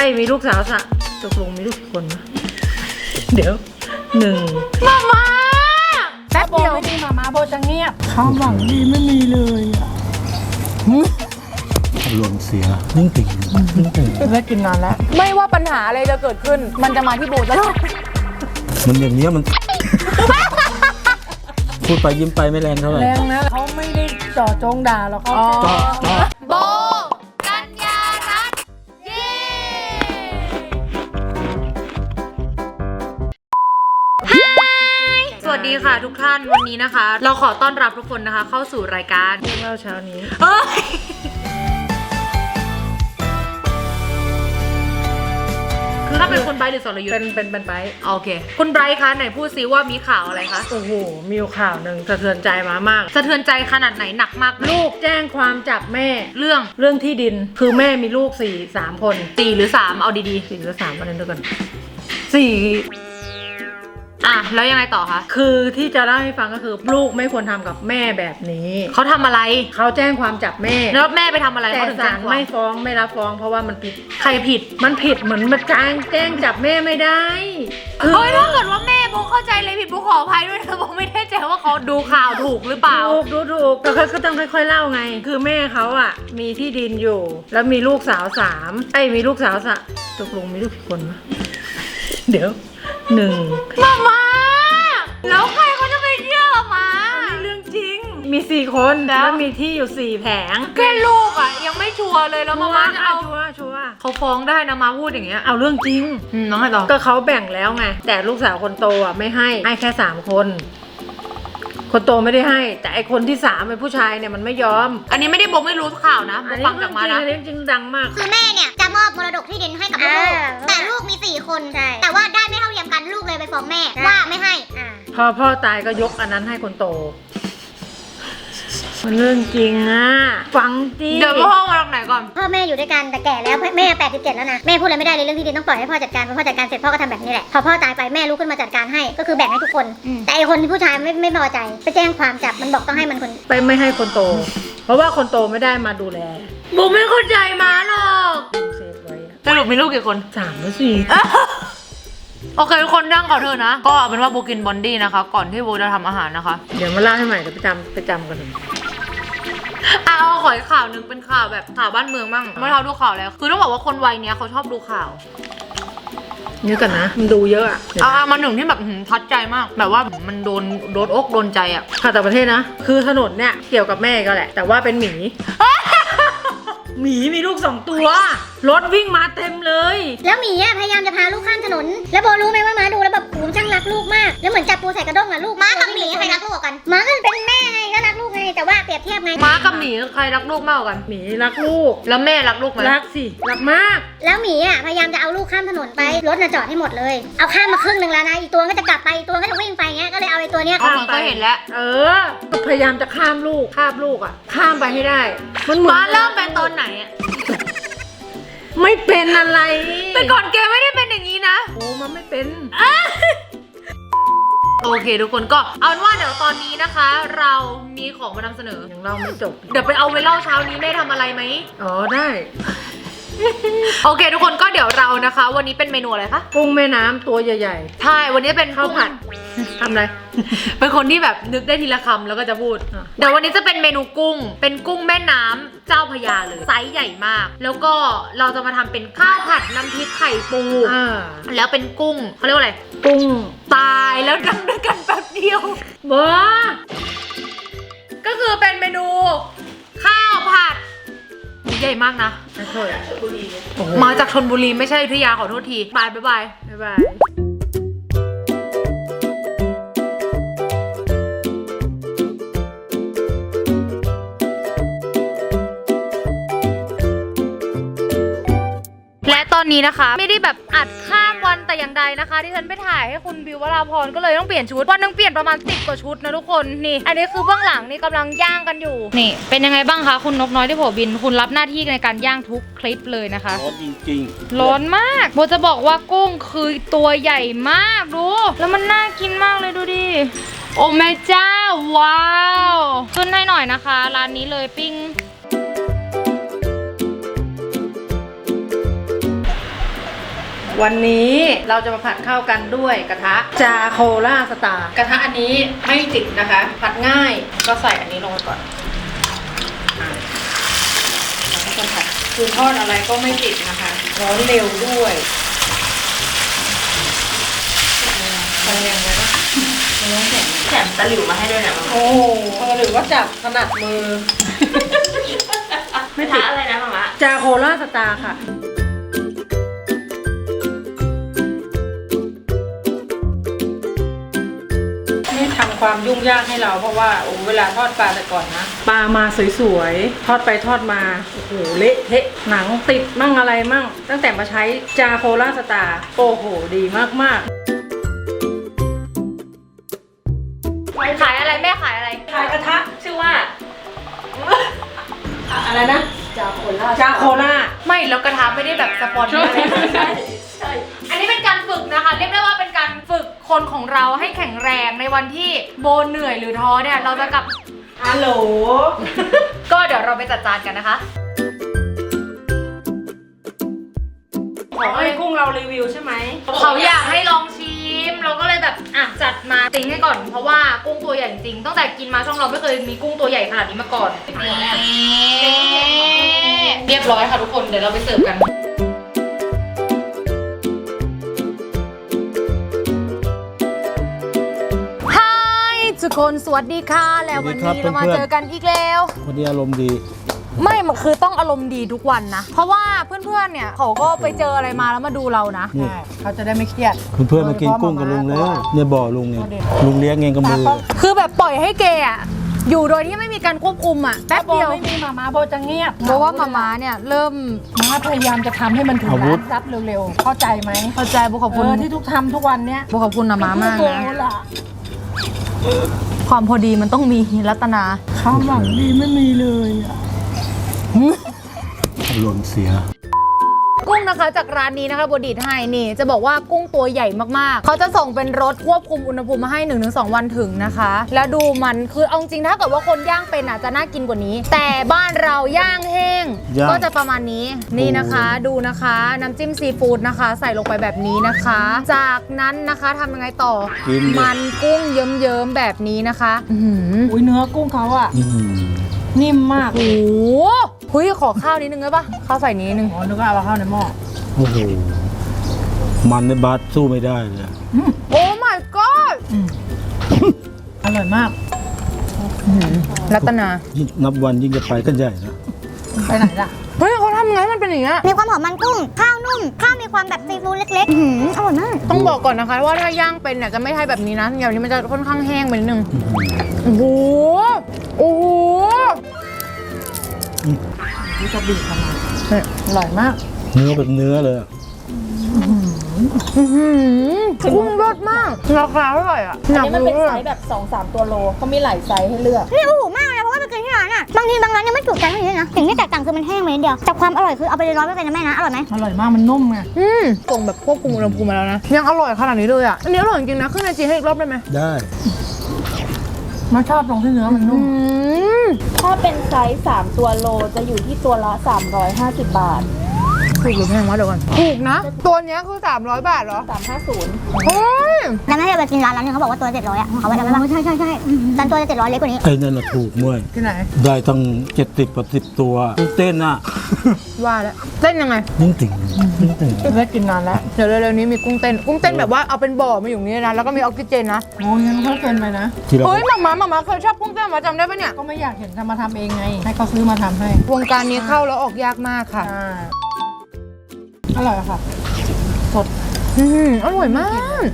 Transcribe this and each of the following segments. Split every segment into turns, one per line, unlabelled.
มีลูกสาวสะตกลงมีลูกกี่คนนะเดี๋ยว1
มาแป๊บเดียว
ไม่ดีมาโบจะเงียบความหวังดีไม่มีเลย
อารมณ์เสียนิ่งติ่ง
ได้กินนานแล้วไม่ว่าปัญหาอะไรจะเกิดขึ้นมันจะมาที่โบตลอด
มันอย่างเนี้ยมันพูดไปยิ้มไปไม่แรงเท่าไหร่
แรงนะเขาไม่ได้เจาะจงด่าหรอกเขา
โบกัญญารัตน์เย้สวัสดีค่ะทุกท่านวันนี้นะคะ เราขอต้อนรับทุกคนนะคะเข้าสู่รายการ
เรื่องเล่าเช้านี้
คือถ้าเป็นคนไบร์ทหรือสรยุทธ์
เป็นไบร์ท
โอเคคุณไบร์ทคะไหนพูดซิว่ามีข่าวอะไรคะ
โอ้โหมีข่าวหนึ่งสะเทือนใจมาก
สะเทือนใจขนาดไหนหนักมาก
ลูกแจ้งความจับแม่
เรื่อง
ที่ดินคือแม่มีลูก3 คน
4 หรือ 3เอาดี
ๆ4 หรือ 3อันนั้นด้วยกัน4
แล้วยังไงต่อคะ
คือที่จะเล่าให้ฟังก็คือลูกไม่ควรทำกับแม่แบบนี้
เขาทำอะไร
เขาแจ้งความจับแม่
แล้วแม่ไปทำอะไร
แต่ศาลไม่ฟ้องไม่รับฟ้องเพราะว่ามันผิด
ใครผิด
มันผิดเหมือนมาแจ้งจับแม่ไม่ได้
เฮ้ยถ้าเกิดว่าแม่โบเข้าใจเลยผิดโบขออภัยด้วยนะโบไม่แน่ใจว่าเขาดูข่าวถูกหรือเปล่า
ถูกก็ต้องค่อยๆเล่าไงคือแม่เขาอ่ะมีที่ดินอยู่แล้วมีลูกสาว3มีลูกสาวตกลงมีลูกกี่คนวะเดี๋ยว
มาแล้วใครเขาจะไปเชื่อมา
เรื่องจริงมี4 คนแล้วมีที่อยู่4 แผง
แค่ลูกอ่ะยังไม่ชัวร์เลยแล้วมาจะเอา
ชัวร์
เขาฟ้องได้นะมาพูดอย่างเงี้ย
เอาเรื่องจริง
น้องไงต่อ
ก็เขาแบ่งแล้วไงแต่ลูกสาวคนโตอ่ะไม่ให้แค่3 คนคนโตไม่ได้ให้แต่ไอคนที่3เป็นผู้ชายเนี่ยมันไม่ยอม
อันนี้ไม่ได้บอกไม่รู้ข่าวนะฟังจากมานะ
อันนี้จริงดังมาก
คือแม่เนี่ยจะมอบมรดกที่ดินให้กับลูกแต่ลูกมี4 คนแต่ว่าได้ไม่เท่าเทียมกันลูกเลยไปฟ้องแม่ว่าไม่ให้
พอพ่อตายก็ยกอันนั้นให้คนโตมันเรื่องจริงอ่ะฟังดิ
เดี๋ยวพ่อมาตรงไหนก่อน
พ่อแม่อยู่ด้วยกันแต่แก่แล้วแม่87แล้วนะแม่พูดอะไรไม่ได้เลยเรื่องที่ดินต้องปล่อยให้พ่อจัดการพอพ่อจัดการเสร็จพ่อก็ทำแบบนี้แหละพอพ่อตายไปแม่ลุกขึ้นมาจัดการให้ก็คือแบ่งให้ทุกคนแต่ไอคนที่ผู้ชายไม่พอใจไปแจ้งความจับมันบอกต้องให้มันคน
ไปไม่ให้คนโตเพราะว่าคนโตไม่ได้มาดูแล
โบไม่เข้าใจมาหรอก
เซฟไว้
สรุปมีลูกกี่คน
3 หรือ 4
โอเคทุกคนนั่งขอเธอนะก็เป็นว่าโบกินบอนดี้นะคะก่อนที่โบจะทำอาหารนะคะ
เดี๋ยวมาเล่าให้ใหม่เดี๋ยวไปจำกัน
ขออีกข่าวหนึ่งเป็นข่าวแบบข่าวบ้านเมืองบ้างเมื่อเราดูข่าวแล้วคือต้องบอกว่าคนวัยเนี้ยเขาชอบดูข่าว
นี่กันนะมันดูเยอะ
มาหนึ่งที่แบบทัดใจมากแบบว่ามันโดนอกโดนใจ
ข่าวต่างประเทศนะคือถนนเนี่ยเกี่ยวกับแม่ก็แหละแต่ว่าเป็นหมีหมีมีลูก2 ตัวรถวิ่งมาเต็มเลย
แล้วหมีพยายามจะพาลูกข้ามถนนแล้วโบรู้ไหมว่าม้าดูแล้วแบบช่างรักลูกมากแล้วเหมือนจับปูใส่กระด้งลูกม้ากับหมีใครรักลูกกันม้าก็เป็นแม่ไงก็รักลูกไงแต่ว่าเปรียบเทียบไง
ม้ากับหมีใครรักลูกมากกัน
หมีรักลูก
แล้วแม่รักลูกไหม
รักสิรักมาก
แล้วหมีพยายามจะเอาลูกข้ามถนนไปรถจอดให้หมดเลยเอาข้ามมาครึ่งนึงแล้วนะอีกตัวก็จะกลับไปอีกตัวก็จะวิ่งไปเงี้ยก็เลยเอาไอ้ตัวเนี้ย
ข้ามไปเห็นแล้ว
ก็พยายามจะข้ามลูกข้ามไปให้ได้
มันม้าเริ่มเป็นตอนไหน
ไม่เป็นอะไร
แต่ก่อนแกไม่ได้เป็นอย่างนี้นะ
โอ้มันไม่เป็น
โอเคทุกคนก็เอาเป็นว่าเดี๋ยวตอนนี้นะคะเรามีของมานำเสนอ
ยังเล่าไม่จบ
เดี๋ยวไปเอาไว้เล่าเช้านี้แม่ทำอะไรไหม
ได้
โอเคทุกคนก็เดี๋ยวเรานะคะวันนี้เป็นเมนูอะไรคะ
กุ้งแม่น้ำตัวใหญ่
ๆใช่วันนี้เป็น
ข้าวผัดทำอะไร
เป็นคนที่แบบนึกได้ทีละคำแล้วก็จะพูดเดี๋ยววันนี้จะเป็นเมนูกุ้งเป็นกุ้งแม่น้ำเจ้าพระยาเลยไซส์ใหญ่มากแล้วก็เราจะมาทำเป็นข้าวผัดน้ำพริกไข่ปูแล้วเป็นกุ้งเขาเรียกว่าอะไร
กุ้ง
ตายแล้วทำด้วยกันแป๊บเดียว
บ้า
ก็คือเป็นเมนูข้าวผัดใหญ่มากนะมาจากชลบุรีไม่ใช่อยุธยาขอโทษทีบายบายและตอนนี้นะคะไม่ได้แบบอัดข้ามวันแต่อย่างใดนะคะที่ฉันไปถ่ายให้คุณบิววราพรก็เลยต้องเปลี่ยนชุดวันนึงเปลี่ยนประมาณ10 กว่าชุดนะทุกคนนี่อันนี้คือเบื้องหลังนี่กำลังย่างกันอยู่นี่เป็นยังไงบ้างคะคุณนกน้อยที่โผบินคุณรับหน้าที่ในการย่างทุกคลิปเลยนะคะ
ร้อนจริง
ๆร้อนมากโบจะบอกว่ากุ้งคือตัวใหญ่มากดูแล้วมันน่ากินมากเลยดูดิโอ้แม่เจ้าว้าวขึ้นให้หน่อยนะคะร้านนี้เลยปิ้ง
วันนี้เราจะมาผัดข้าวกันด้วยกระทะจาโคล่าสตาร์กระทะอันนี้ไม่ติดนะคะ ผัดง่ายก็ใส่อันนี้ลงไปก่อนแล้วก็ผัดคือทอดอะไรก็ไม่ติดนะคะร้อนเร็วด้วยทำยังไงบ้าง
แถมตะหลิวมาให้ด้วยนะ
โอ้โหหรือว่าจับถนัดมือ
ไม่ติดอะไรนะมามะ
จาโคล่าสตาร์ค่ะนี่ทำความยุ่งยากให้เราเพราะว่าเวลาทอดปลาแต่ก่อนนะปลามาสวยๆทอดไปทอดมาโอ้โหเละเทะหนังติดมั่งอะไรมั่งตั้งแต่มาใช้จาโคล่าสตาร์โอ้โหดีมากๆ
ขายอะไรแม่ขายอะไร
ขายกระทะ
ชื่อว่า
อะไรนะจาโคล่า
ไม่แล้วกระทะไม่ได้แบบสปอนเซอร์อันนี้เป็นการฝึกนะคะ เรียกได้ว่าเป็นการฝึกคนของเราให้แข็งแรงในวันที่โบเหนื่อยหรือท้อเนี่ยเราจะกลับ
ฮัลโหล
ก็เดี๋ยวเราไปจัดจานกันนะคะ
ขอให้กุ้งเรารีวิวใช่ไหม
เขาอยากให้ลองชิมเราก็เลยแบบจัดมาติ้งให้ก่อนเพราะว่ากุ้งตัวใหญ่จริงตั้งแต่กินมาช่องเราไม่เคยมีกุ้งตัวใหญ่ขนาดนี้มาก่อนเรียบร้อยค่ะทุกคนเดี๋ยวเราไปเสิร์ฟกันทุกคนสวัสดีค่ะแล้ววันนี้เรามาเจอกันอีกแล้ว
วันนี้อารมณ์ดี
ไม่มันคือต้องอารมณ์ดีทุกวันนะเพราะว่าเพื่อนๆเนี่ยเขาก็ไปเจออะไรมาแล้วมาดูเรานะ
นี่
เขาจะได้ไม่เครียด
เพื่อนๆมากินกุ้งกับลุงแล้วเนี่ยบ่อลุงเนี่ยลุงเลี้ยงเองกับมือ
คือแบบปล่อยให้เกย์อะอยู่โดยที่ไม่มีการควบคุมอะแป๊บเดียว
ไม่มีมาโบจะเงียบ
เพราะว่ามาม่าเนี่ยเริ่ม
มาพยายามจะทำให้มันถึง
อาวุ
ร้า
ธ
นซับเร็วๆ เข้าใจไหม
เข้าใจบุขอบคุณ
ที่ทุกทำทุกวันเนี้ย
บุขอบคุณนะมามาก
โอ้
นะ
ล่ะ
ความพอดีมันต้องมีรัตนา
ความหวังดีไม่มีเลยอะ
อารมณ์เสีย
กุ้งนะคะจากร้านนี้นะคะบดีดให้นี่จะบอกว่ากุ้งตัวใหญ่มากๆเขาจะส่งเป็นรถควบคุมอุณหภูมิมาให้ 1-2 วันถึงนะคะ แล้วดูมันคือเอาจริงถ้าเกิดว่าคนย่างเป็นจะน่ากินกว่านี้ แต่บ้านเราย่างแห้ง
ย่าง
ก็จะประมาณนี้นี่นะคะดูนะคะน้ำจิ้มซีฟู้ดนะคะ ใส่ลงไปแบบนี้นะคะ จากนั้นนะคะทำยังไงต่อ
กินดิ
มันกุ้งเยิ้มๆแบบนี้นะคะอื้อหือ
อุ้ยเนื้อกุ้งเขาอะ
อื้อหือ
นิ่มมาก
โอ้โหเฮ้ยขอข้าวนิดนึงได้ปะข้าวใส่นิดนึง
อ๋อนึกว่าเอาเข้าในหม้อ
โอ้โหมันในบาสสู้ไม่ได้เลย
โอ้ my god
อร่อยมาก
รัตนา
ยิ่งนับวันยิ่งจะไปกันใหญ่นะ
ไปไหนล่ะ
เฮ้ยเขาทำไงมันเป็นอย่างเงี้ย
มีความหอมมันกุ้ง ข้าวนุ่ม ข้าวมีความแบบซีฟู้ดเล็กๆอร่อยมาก
ต้องบอกก่อนนะคะว่าถ้าย่างเป็นเนี่ยจะไม่ใช่แบบนี้นะอย่างนี้มันจะค่อนข้างแห้งไปนิดนึงโอ้โหโอ้โห
นี่จะบีบเข้ามาอร่อยมาก
เนื้อเป็นเนื้อเลยอะ
อื้อหือกุ้งรสมากราคาเท่าไหร่อ่ะ
อันนี้มันเป็นไซส์แบบ 2-3 ตัวโลเขามีหลายไซส์ให้เลือก
นี่โอ้โหมากเลยเพราะว่าไปกินที่ร้านอ่ะ บางทีบางร้านยังไม่ถูกใจเท่านี้นะสิ่งที่แตกต่างคือมันแห้งไปนิดเดียวแต่ความอร่อยคือเอาไปเลย100%นะแม่นะ อร่อยไหม
อร่อยมากมันนุ่มไง
ส่งแบบควบคุมอุณหภูมิมาแล้วนะยังอร่อยขนาดนี้เลยอ่ะอันนี้อร่อยจริงๆนะขึ้นไอจีให้อีกรอบได้ไหม
ได้
มาชอบตรงที่เนื้อมันนุ่ม
ถ้าเป็นไซส์3ตัวโลจะอยู่ที่ตัวละ 350 บาท
ถูกหรือแพงวะเดี๋ยวก่อนถูกนะตัวเนี้ยคือ300 บาทเหรอ
350
เฮ้ย
แล้วแม่ไปกินร้านนึงเขาบอกว่าตัว700อ่ะเขาว่าจะไม่ใช่ร้านตัวจะ700เล็กกว่านี้
ไอ้นั่นน่ะถูกเมื่อย
ที่ไหน
ได้ตั้ง70-80ตัวเต้นอ่ะ
ว่าแล้วเต้นยังไง
นิ่งติ่งนิ่งติ่ง
ได้กินนานแล้ว
เดี๋ยวเร็วๆนี้มีกุ้งเต้นแบบว่าเอาเป็นบ่อมาอยู่นี่นะแล้วก็มีออกซิเจนนะ
โอ้ยงั้นเขาเกินไปนะ
ที่เรา
เฮ้ยหมาเคยชอบกุ้งเต้นมาจำได้ปะเนี่ย
ก็ไม่อยากเห็นทำมาทำเองไง ให้เขาซื้อมาทำให้
วงการนี้เข้าแล้วออกยากมากค่ะ
อร่อยค่ะ สด
อร่อยมาก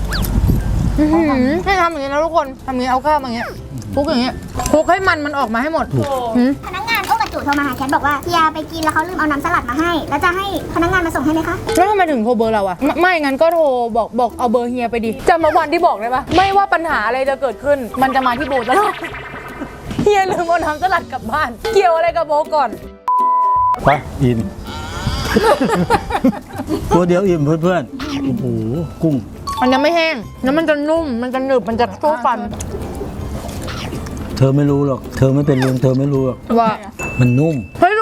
ให้ทำอย่างนี้นะทุกคนทำอย่างนี้เอาข้าวมาอย่างนี้คลุกอย่างนี้คลุกให้มันออกมาให้หมดหืม
พนักงานโอ้กระจุโทรมาหาแคทบอกว่าเฮียไปกินแล้วเขาลืมเอาน้ำสลัดมาให้ แล้วจะให้พนักงานมาส่งให้ไหมคะ
แล้วทำไมถึงโทรเบอร์เราอะไม่งั้นก็โทรบอกเอาเบอร์เฮียไปดิจำเมื่อวันที่บอกได้ปะไม่ว่าปัญหาอะไรจะเกิดขึ้น มันจะมาที่โบตลอดเฮียลืมเอาน้ำสลัดกลับบ้าน เกี่ยวอะไรกับโบก่อน
ไปอิ่ม ตัวเดียวอิ่มเพื่อนๆ โอ้โห กุ้ง
มันยังไม่แห้งแล้วมันจะนุ่มมันจะหนึบมันจะสู้ฟัน
เธอไม่รู้หรอก เธอไม่เป็นลุงเธอไม่รู้หรอก
ว่า
มันนุ่ม
เฮ้ยรู้ป่ะกินตัว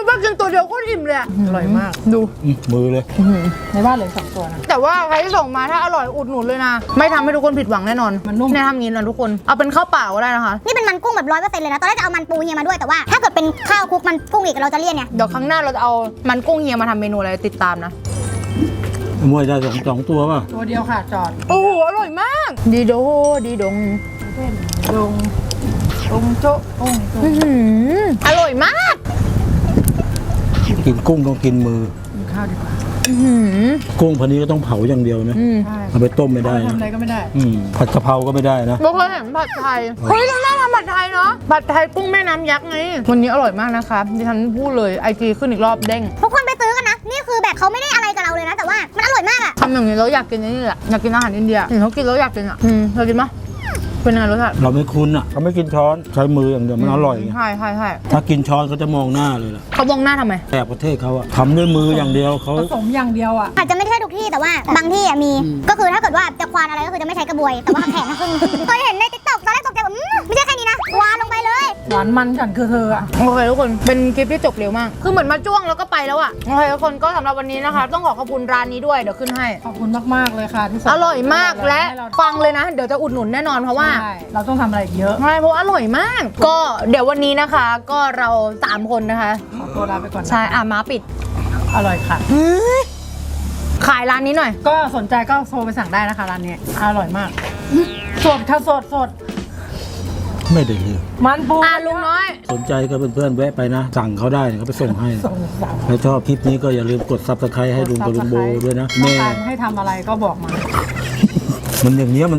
ตัวเดียวโคตรอิ่มเลยอะ
อร่อยมาก
ดู
มือเลย
ในบ้านเหลือ2ตัวนะ
แต่ว่าใครที่ส่งมาถ้าอร่อยอุดหนุนเลยนะ ไม่ทำให้ทุกคนผิดหวังแน่นอน
มันนุ่ม
แน่ทำงี้นะทุกคนเอาเป็นข้าวเปล่าก็ได้นะคะ
นี่เป็นมันกุ้งแบบ100%เลยนะ ตอนแรกจะเอามันปูเฮียมาด้วยแต่ว่า ถ้าเกิดเป็นข้าวคลุกมันกุ้งอีกเราจะเลี่ยนไง
เดี๋ยวครั้งหน้าเราจะเอามันกุ้งเฮียมาทำเมนูอะไรติดตามนะ
มวยได้สองตัวป่ะ
ตัวเดียวค่ะจอด
โอ้โหอร่อยมาก ดีโดดีดง
ลงโจ๊ะโอ้ย
อื้อหืออร่อยมาก
กินกุ้งต้องกินมือ
กินข้าวดีกว่า
อื้อหือ
กุ้งพันนี้ก็ต้องเผาอย่างเดียวนะ
ใช่
เอาไปต้มไม่ได้
ทำ
นะ
อะไรก็ไม่ได้
ผัดกะเพราก็ไม่ได้นะ
เราเคยเห็นผัดไทย เฮ้ยเราน่าทำผัดไทยเนาะ ผัดไทยกุ้งแม่น้ำยักษ์ไง วันนี้อร่อยมากนะคะดิฉันพูดเลยไอจีขึ้นอีกรอบเด้ง
ทุกคนไปซื้อกันนะ นี่คือแบบเขาไม่ได้อะไรกับเราเลยนะ แต่ว่ามันอร่อยมากอะ
ทำอย่างนี้แล้วอยากกินนี่แหละอยากกินอาหารอินเดียเห็นเขากินแล้วอยากกินอ่ะเรากินปะเป็นยังไงรสชาติ
เราไม่คุ้นอ่ะเขาไม่กินช้อนใช้มืออย่างเดียวมันอร่อยไง
ใช่ใช่ใช่
ถ้ากินช้อนเขาจะมองหน้าเลยล่ะ
เขามองหน้าทำไม
แอบประเทศเขาอะทำด้วยมืออย่างเดียวเขา
ผสมอย่างเดียวอ่ะ
อาจจะไม่ใช่ทุกที่แต่ว่าบางที่อะมี ก็คือถ้าเกิดว่าจะควานอะไรก็คือจะไม่ใช้กระบวย แต่ว่าแข็งขึ้นเคยเห็นในติ๊กต็อกตอนแรกตกใจแบบไม่ใช่แค่นี้นะควานลงไปเลย
หวานมันฉันคือเธออ่ะ
โอเคทุกคน เป็นคลิปที่จบเร็วมาก คือเหมือนมาจ้วงแล้วก็ไปแล้วอ่ะ โอเคทุกคนก็สำหรับวันนี้นะคะ ต้องขอขอบคุณร้านนี้ด้วย เดี๋ยวขึ้นให้
ขอบคุณมากๆเลยค่ะที่ส่ง
อร่อยมากและ
ให้เรา
ฟังเลยนะ เดี๋ยวจะอุดหนุนแน่นอนเพราะว่า
ใช่เราต้องทำอะไรอีกเยอะ
ใช่เพราะว่าอร่อยมาก ก็เดี๋ยววันนี้นะคะ ก็เรา3คนนะคะ
ขอตัวลาไปก่อนนะ
ใช่มาปิด
อร่อยค่ะ
ขายร้านนี้หน่อย
ก็สนใจก็โทรไปสั่งได้นะคะร้านนี้อร่อยมาก สดค่ะสด
ไม่ได้เลย
มันปู
ลุงน้อย
สนใจก็เพื่อนๆแวะไปนะ สั่งเขาได้เขาไปส่งให้
ส่งสั่ง
ถ้าชอบคลิปนี้ก็อย่าลืมกด subscribe ให้ลุงกับลุงโบด้วยนะ
ต้อง
แม่
การให้ทำอะไรก็บอกมา
มันอย่างเนี้ยมัน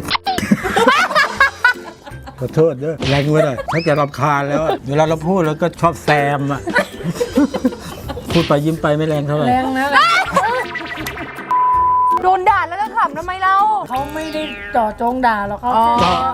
ขอโทษเด้อแรงไว้หน่อยถ้าแกรำคาญแล้วอะเวลาเราพูดแล้วก็ชอบแซมอะ พูดไปยิ้มไปไม่แรงเท่าไหร่
แรงนะ
โดนด่าแล้วจะขำทำไมเรา
เขาไม่ได้เจ่อจงด่าหรอกเขา
อ๋อ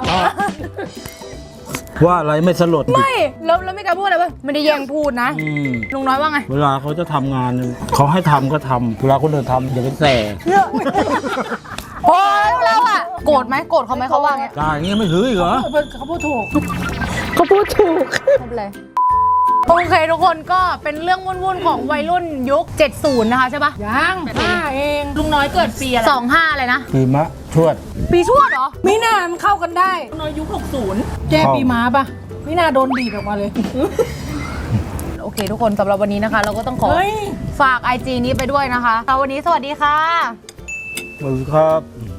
ว่าอะไรไม่สลด
ไม่แล้วไม่กล้าพูดอะไรป่ะไม่ได้แย่งพูดนะ
อืม
ลุงน้อยว่าไง
เวลาเขาจะทำงานเขาให้ทำก็ทำเวลาคนอื่นทำอย่าไปแส
โอ้ยเราอะโกรธไหมโกรธเขาไหมเขาว่าไง
ด่าอย่างเงี้ยไม่ถืออีกเหรอ
เขาพูดถูก
เขาพูดถูกไม่เป็นไรโอเคทุกคนก็เป็นเรื่องวุ่นๆของวัยรุ่นยุค 70 นะคะใช่ปะ
ยัง5เอง
ลุงน้อยเกิดปีอะไร
25อะไรนะ
ปีมะชวด
ปีชวดเหรอ
มีนามันเข้ากันได้
ลุงน้อยยุค 60
แก้ปีม้าปะมีนาโดนบีบออกมาเลย
โอเคทุกคนสำหรับวันนี้นะคะ เราก็ต้องขอ
เฮ้ย
ฝาก IG นี้ไปด้วยนะคะวันนี้สวัสดีค่ะ
สวัสดีครับ